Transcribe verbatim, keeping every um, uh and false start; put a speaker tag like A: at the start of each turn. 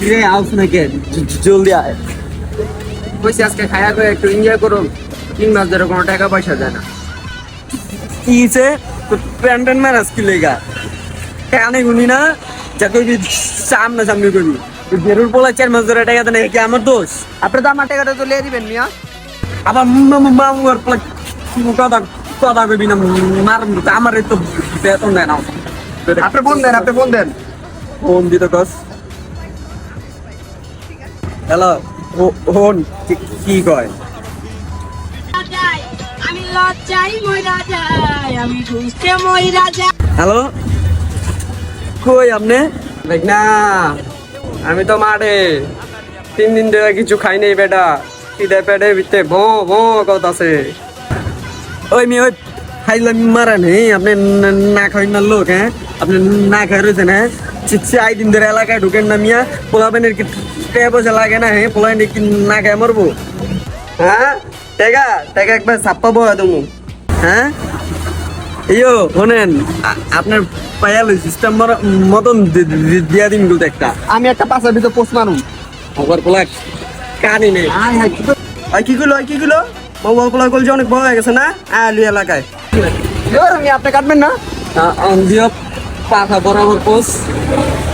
A: রে আউস নাকি জলদি আয়
B: কইছি আজকে খায়া করে একটু এনজয় করো তিন মাস ধরে কোনো টাকা পয়সা দেয় না
A: কিছে প্যান্টন ম্যানেজ কি লেগা কানে গুনি না যা কইবি সামনে সামনে কইবি বেরুর পোলা চার মাস ধরে টাকা দেয় কি আমার দোষ
B: আপনি তো আমার টাকাটা তো লিয়ে দিবেন মিয়া
A: আবার মামুর পোলা কথা কথা কইবি না মার আমার তো বেতন দেয় না
B: আপনি ফোন দেন আপনি ফোন দেন
A: ফোন দিতে কস হ্যালো ফোন কি কয়
C: আমি লজ্জাই মইরা যাই আমি বুঝতে মইরা যাই
A: হ্যালো কই আপনি
B: দেখ না আমি তো মাঠে তিন দিন ধরে কিছু খাই নাই বেটা খিদে পেটে ভিতরে ভো ভো কথা আছে
A: ওই মেয়ে ওই খাইলাম মারা নেই আপনি না খাই না লোক হ্যাঁ আপনি না খাই রয়েছেন হ্যাঁ চাই দিন ধরে এলাকায় ঢুকেন না মিয়া পোলাবেনের কি টাকা পয়সা লাগে না হ্যাঁ পোলাবেন কি না খাই মরবো
B: হ্যাঁ টাকা টাকা একবার ছাপ্পা বয়া তুমি
A: হ্যাঁ ইয়ো শোনেন আপনার পায়াল সিস্টেম মতন দিয়া দিন গুলো একটা
B: আমি একটা পাশের ভিতরে পোস্ট মারুম
A: খবর পোলা কানি নেই
B: আয় হায় কি আয় কি গুলো কি গুলো বাবা পোলা কল যে অনেক বড় হয়ে গেছে না আলু এলাকায় আমি আপনি কাটবেন না
A: দিও পাখা বরাবর পোষ